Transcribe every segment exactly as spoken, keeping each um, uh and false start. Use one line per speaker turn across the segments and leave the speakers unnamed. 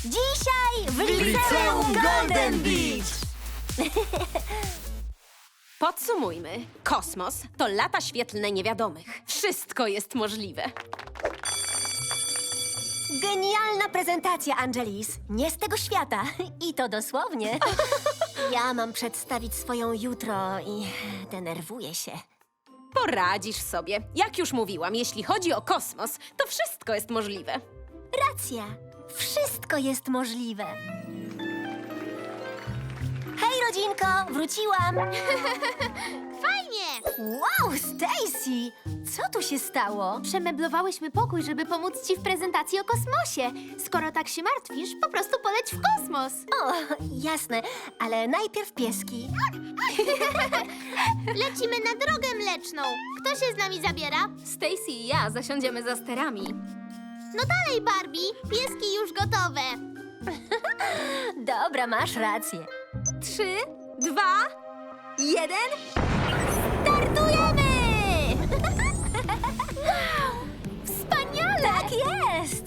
Dzisiaj w
Liceum Golden Beach!
Podsumujmy. Kosmos to lata świetlne niewiadomych. Wszystko jest możliwe.
Genialna prezentacja, Angelis. Nie z tego świata. I to dosłownie. Ja mam przedstawić swoją jutro i denerwuję się.
Poradzisz sobie. Jak już mówiłam, jeśli chodzi o kosmos, to wszystko jest możliwe.
Racja. Wszystko jest możliwe. Hej, rodzinko! Wróciłam!
Fajnie!
Wow, Stacy! Co tu się stało?
Przemeblowałyśmy pokój, żeby pomóc ci w prezentacji o kosmosie. Skoro tak się martwisz, po prostu poleć w kosmos.
O, jasne, ale najpierw pieski.
Lecimy na drogę mleczną. Kto się z nami zabiera?
Stacy i ja zasiądziemy za sterami.
No dalej, Barbie. Pieski już gotowe.
Dobra, masz rację.
Trzy, dwa, jeden.
Startujemy!
Wspaniale!
Tak jest!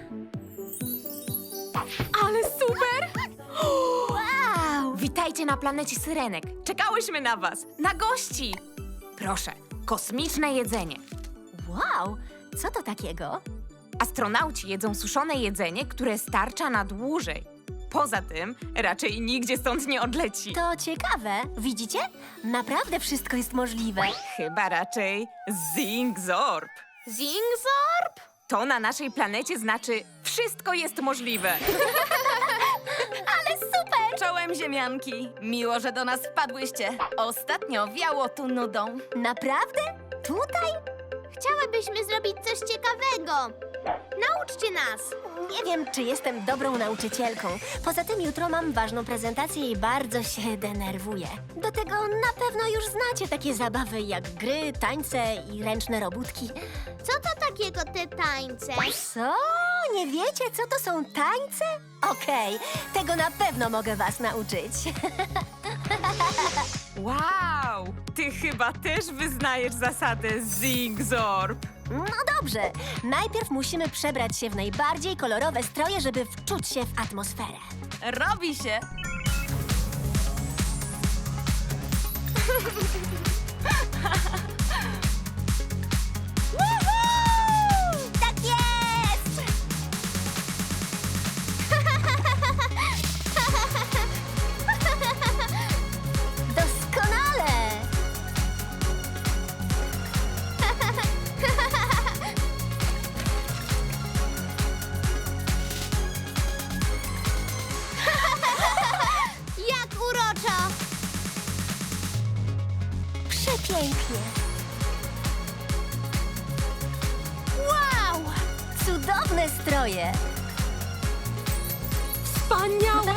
Ale super!
Wow!
Witajcie na planecie Syrenek. Czekałyśmy na was, na gości. Proszę, kosmiczne jedzenie.
Wow! Co to takiego?
Astronauci jedzą suszone jedzenie, które starcza na dłużej. Poza tym, raczej nigdzie stąd nie odleci.
To ciekawe. Widzicie? Naprawdę wszystko jest możliwe.
Chyba raczej Zingzorb.
Zingzorb?
To na naszej planecie znaczy wszystko jest możliwe.
Ale super!
Czołem ziemianki! Miło, że do nas wpadłyście. Ostatnio wiało tu nudą.
Naprawdę? Tutaj?
Chciałybyśmy zrobić coś ciekawego. Nauczcie nas.
Nie wiem, czy jestem dobrą nauczycielką. Poza tym jutro mam ważną prezentację i bardzo się denerwuję. Do tego na pewno już znacie takie zabawy jak gry, tańce i ręczne robótki.
Co to takiego te tańce?
Co? Nie wiecie, co to są tańce? Okej, tego na pewno mogę was nauczyć.
Wow! Ty chyba też wyznajesz zasadę Zingzorb.
No dobrze, najpierw musimy przebrać się w najbardziej kolorowe stroje, żeby wczuć się w atmosferę.
Robi się!
Tak jest! Doskonale!
Jak uroczo!
Przepięknie!
Wow!
Cudowne stroje!
Wspaniałe!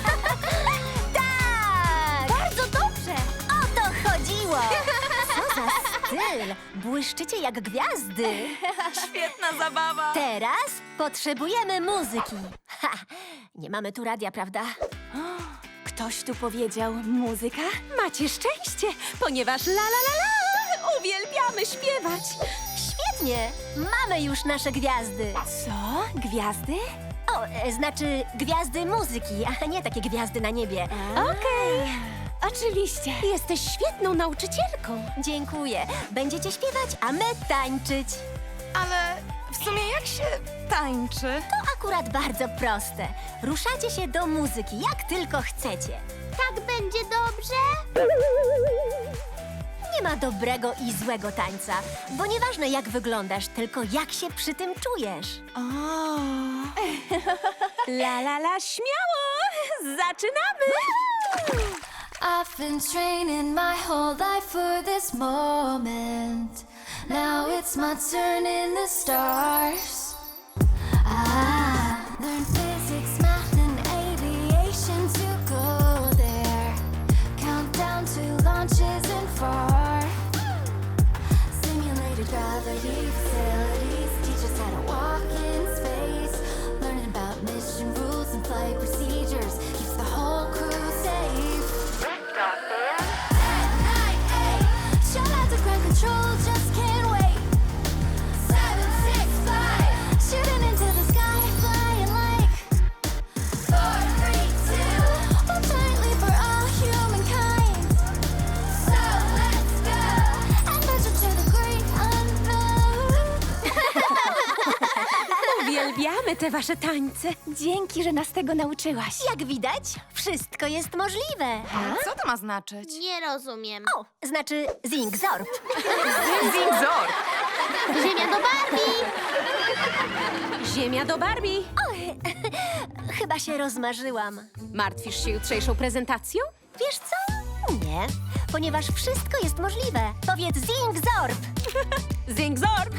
Tak!
Bardzo dobrze!
O to chodziło! Co za styl! Błyszczycie jak gwiazdy!
Świetna zabawa!
Teraz potrzebujemy muzyki. Ha! Nie mamy tu radia, prawda?
Ktoś tu powiedział muzyka?
Macie szczęście, ponieważ la la la la uwielbiamy śpiewać.
Świetnie! Mamy już nasze gwiazdy.
Co? Gwiazdy?
O, e, znaczy gwiazdy muzyki, a nie takie gwiazdy na niebie.
Okej, oczywiście. Jesteś świetną nauczycielką.
Dziękuję. Będziecie śpiewać, a my tańczyć.
Ale w sumie jak się tańczy?
To akurat bardzo proste. Ruszacie się do muzyki, jak tylko chcecie.
Tak będzie dobrze?
Nie ma dobrego i złego tańca, bo nieważne jak wyglądasz, tylko jak się przy tym czujesz.
O.
La la la, śmiało! Zaczynamy!
I've been training my whole life for this moment. Now it's my turn in the stars. I learned physics, math, and aviation to go there. Countdown to launches and far. Simulated gravity facilities teach us how to walk in space. Learning about mission rules and flight procedures keeps the whole crew safe. Shout out to ground control, just can't wait. Seven, six, five.
te wasze tańce.
Dzięki, że nas tego nauczyłaś.
Jak widać, wszystko jest możliwe.
Co to ma znaczyć?
Nie rozumiem.
O, znaczy Zingzorb.
Zingzor!
Ziemia do Barbie!
Ziemia do Barbie.
Chyba się rozmarzyłam.
Martwisz się jutrzejszą prezentacją?
Wiesz co? Nie, ponieważ wszystko jest możliwe. Powiedz Zingzorb.
Zingzorb!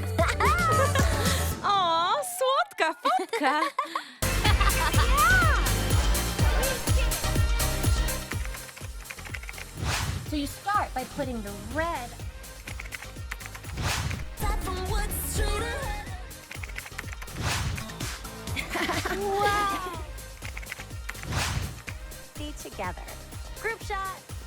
O, słodka fotka!
So you start by putting the red. wow. Be together. Group shot.